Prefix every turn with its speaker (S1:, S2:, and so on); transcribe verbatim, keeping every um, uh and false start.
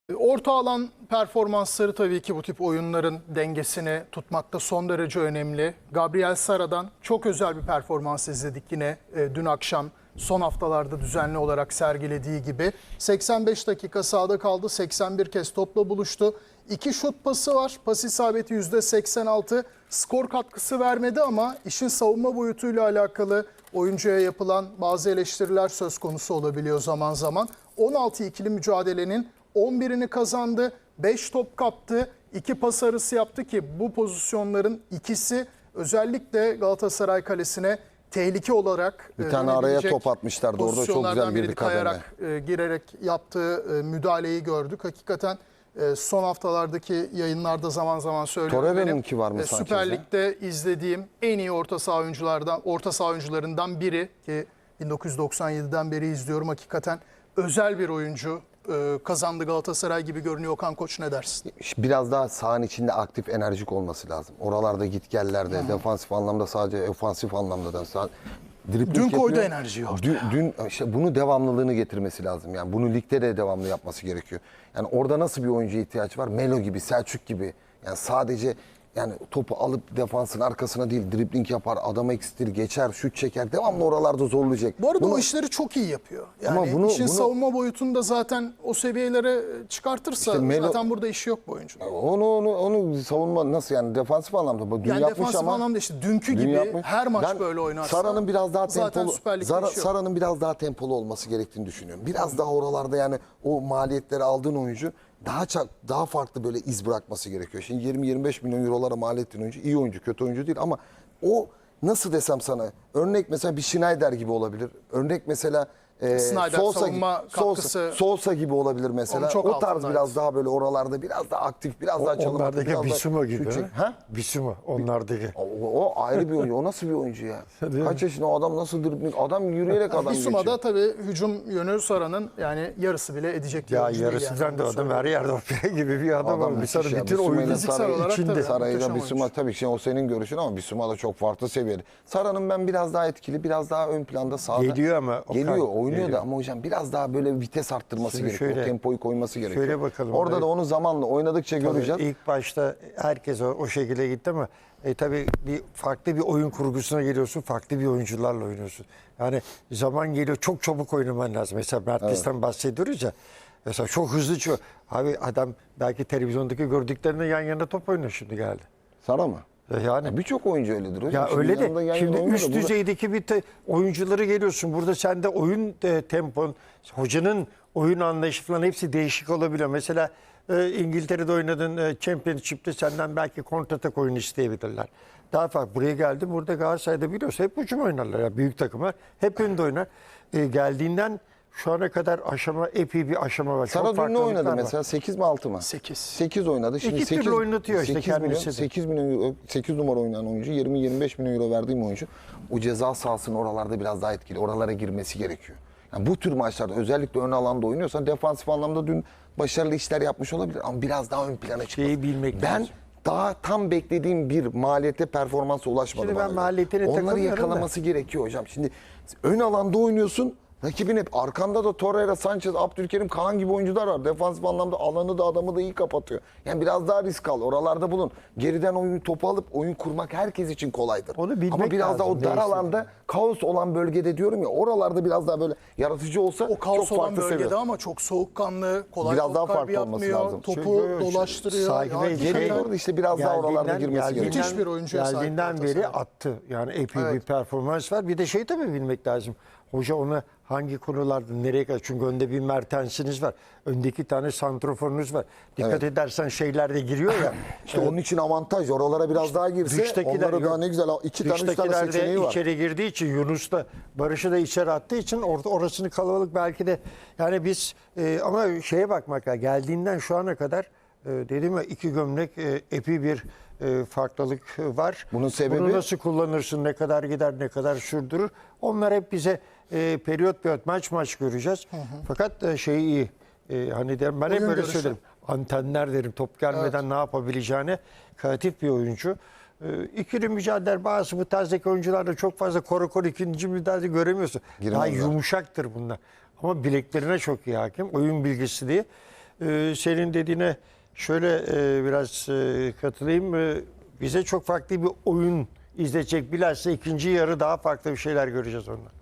S1: Orta alan performansları tabii ki bu tip oyunların dengesini tutmakta son derece önemli. Gabriel Sara'dan çok özel bir performans izledik yine e, dün akşam son haftalarda düzenli olarak sergilediği gibi. seksen beş dakika sahada kaldı, seksen bir kez topla buluştu. İki şut pası var, pas isabeti yüzde seksen altı, skor katkısı vermedi ama işin savunma boyutuyla alakalı oyuncuya yapılan bazı eleştiriler söz konusu olabiliyor zaman zaman. on altı ikili mücadelenin on birini kazandı, beş top kaptı, iki pas arası yaptı ki bu pozisyonların ikisi özellikle Galatasaray kalesine tehlike olarak
S2: bir tane araya top atmışlardı. Orada çok güzel bir
S1: kayarak e, girerek yaptığı e, müdahaleyi gördük. Hakikaten e, son haftalardaki yayınlarda zaman zaman söylüyorum.
S2: Torreira'nınki var mı
S1: e, Süper Lig'de izlediğim en iyi orta saha oyunculardan, orta saha oyuncularından biri ki bin dokuz yüz doksan yediden beri izliyorum. Hakikaten özel bir oyuncu. Kazandı Galatasaray gibi görünüyor. Okan Koç ne dersin?
S2: Biraz daha sahanın içinde aktif, enerjik olması lazım. Oralarda gitgellerde, hmm. defansif anlamda sadece ofansif anlamda da sağ,
S1: dün koydu enerjiyi orada.
S2: Dün, dün işte bunu devamlılığını getirmesi lazım. Yani bunu ligde de devamlı yapması gerekiyor. Yani orada nasıl bir oyuncuya ihtiyaç var? Melo gibi, Selçuk gibi. Yani sadece yani topu alıp defansın arkasına değil, dribling yapar, adama eksiltir, geçer, şut çeker. Devamlı oralarda zorlayacak.
S1: Bu arada
S2: bunu,
S1: o işleri çok iyi yapıyor. Yani
S2: ama bunu,
S1: işin
S2: bunu,
S1: savunma boyutunda zaten o seviyelere çıkartırsa işte Melo, zaten burada işi yok bu oyuncunun.
S2: Onu, onu, onu savunma nasıl yani defansif anlamda? Dün
S1: yani
S2: yapmış
S1: defansif
S2: ama,
S1: anlamda işte dünkü gibi yapmış. Her maç ben böyle oynarsa
S2: Sara'nın biraz daha tempolu, Zara,
S1: şey
S2: Sara'nın biraz daha tempolu olması gerektiğini düşünüyorum. Biraz hmm. daha oralarda yani o maliyetleri aldığın oyuncu daha çok, daha farklı böyle iz bırakması gerekiyor. Şimdi yirmi yirmi beş milyon eurolara mal ettiğin oyuncu iyi oyuncu, kötü oyuncu değil ama o nasıl desem sana örnek mesela bir Schneider gibi olabilir. Örnek mesela e,
S1: Snyder,
S2: Sosa, gibi,
S1: Sosa,
S2: Sosa gibi olabilir mesela. O tarz biraz daha böyle oralarda biraz daha aktif, biraz
S3: o,
S2: daha çalım.
S3: Onlardaki Bisuma gibi.
S2: Ha?
S3: Bisuma onlardaki.
S2: O, o ayrı bir oyuncu. O nasıl bir oyuncu ya? Kaç yaşında o adam nasıl dribbling? Adam yürüyerek adam geçiyor.
S1: Bisuma'da tabii hücum yönü Sara'nın yani yarısı bile edecek.
S3: Ya yarısından yani. Da adam her yerde opera gibi bir adam. adam bir Sara bütün oyunu
S1: içinde.
S2: Sara'yla Bisuma tabii ki o senin görüşün ama Bisuma da çok farklı seviyede. Sara'nın ben biraz daha etkili, biraz daha ön planda sahada.
S3: Geliyor ama.
S2: Geliyor, oynuyor da ama hocam biraz daha böyle vites arttırması
S3: Şimdi
S2: gerekiyor.
S3: Şöyle,
S2: o tempoyu koyması gerekiyor.
S3: Şöyle bakalım.
S2: Orada
S3: evet.
S2: da onu zamanla oynadıkça
S3: tabii
S2: göreceğiz.
S3: İlk başta herkes o, o şekilde gitti ama e, tabii bir farklı bir oyun kurgusuna geliyorsun. Farklı bir oyuncularla oynuyorsun. Yani zaman geliyor çok çabuk oynaman lazım. Mesela Mertlis'ten evet. bahsediyoruz ya. Mesela çok hızlı çıkıyor. Abi adam belki televizyondaki gördüklerine yan yana top oynuyor şimdi geldi.
S2: Sara mı?
S3: Yani
S2: birçok oyuncu öyledir hocam.
S3: Ya
S2: şimdi
S3: öyle de şimdi üst
S2: burada...
S3: düzeydeki bir te, oyuncuları geliyorsun. Burada sende oyun e, tempon, hocanın oyun anlayışı falan hepsi değişik olabiliyor. Mesela e, İngiltere'de oynadığın e, Championship'te senden belki kontratak oyunu isteyebilirler. Daha farklı. Buraya geldim. Burada Galatasaray'da biliyorsun hep hücum oynarlar. Yani büyük takımlar hep önde oynar. E, geldiğinden şu ana kadar aşama epey bir aşama var.
S2: Sara dün ne oynadı mesela? sekiz mi altı mı?
S1: sekiz.
S2: sekiz oynadı. Şimdi
S3: İki
S2: sekiz,
S3: türlü oynatıyor işte
S2: sekiz milyon,
S3: kendisi de.
S2: sekiz milyon euro, sekiz numara oynayan oyuncu, yirmi yirmi beş milyon euro verdiğim oyuncu. O ceza sahasının oralarda biraz daha etkili. Oralara girmesi gerekiyor. Yani bu tür maçlarda özellikle ön alanda oynuyorsan defansif anlamda dün başarılı işler yapmış olabilir ama biraz daha ön plana çıkması.
S3: Şeyi bilmek
S2: ben
S3: lazım.
S2: daha tam beklediğim bir maliyete performansa ulaşmadım.
S3: Şimdi ben maliyetine
S2: onları yakalaması da. gerekiyor hocam. Şimdi ön alanda oynuyorsun. Rakibin hep arkanda da Torreira, Sanchez, Abdülkerim, Kaan gibi oyuncular var. Defansif anlamda alanı da adamı da iyi kapatıyor. Yani biraz daha risk al. Oralarda bulun. Geriden oyun topu alıp oyun kurmak herkes için kolaydır.
S3: Onu bilmek
S2: Ama biraz
S3: lazım,
S2: daha o dar alanda kaos olan bölgede diyorum ya oralarda biraz daha böyle yaratıcı olsa
S1: o kaos
S2: çok
S1: olan
S2: farklı
S1: bölgede
S2: seviyor.
S1: ama çok soğukkanlı, kolay
S2: biraz daha
S1: farklı
S2: farklı olması
S1: yapmıyor,
S2: lazım.
S1: topu
S3: Çünkü
S1: dolaştırıyor.
S3: Saygı ve
S2: Geri doğru işte biraz daha oralarda girmesi gerekiyor.
S1: Müthiş bir oyuncuya sahip.
S3: Geldiğinden beri attı. Yani epey evet. bir performans var. Bir de şey tabii bilmek lazım. Hoca onu hangi konularda nereye kadar? Çünkü önde bir Mertens'iniz var. Önde iki tane santroforunuz var. Dikkat evet. edersen şeyler de giriyor ya.
S2: İşte evet. onun için avantaj. Oralara biraz daha girse onlara daha ne güzel iki tane üç tane seçeneği var.
S3: İçeri girdiği için Yunus da Barış'ı da içeri attığı için orada orasını kalabalık belki de yani biz e, ama şeye bakmak lazım. Geldiğinden şu ana kadar e, dedim ya iki gömlek e, epey bir e, farklılık var.
S2: Bunun sebebi?
S3: Bunu nasıl kullanırsın, ne kadar gider, ne kadar sürdürür. Onlar hep bize e, periyot periyot maç maç göreceğiz. Hı hı. Fakat e, şey iyi. E, hani derim, ben hep böyle söylerim. Antenler derim top gelmeden evet. ne yapabileceğini. Kreatif bir oyuncu. E, ikili mücadele bazı bu tarzdaki oyuncularda çok fazla koru koru ikinci müdahale göremiyorsun. Girmez Daha var. Yumuşaktır bunlar. Ama bileklerine çok iyi hakim. Oyun bilgisi diye. e, senin dediğine şöyle e, biraz e, katılayım. E, bize çok farklı bir oyun izletecek. Bilhassa ikinci yarı daha farklı bir şeyler göreceğiz ondan.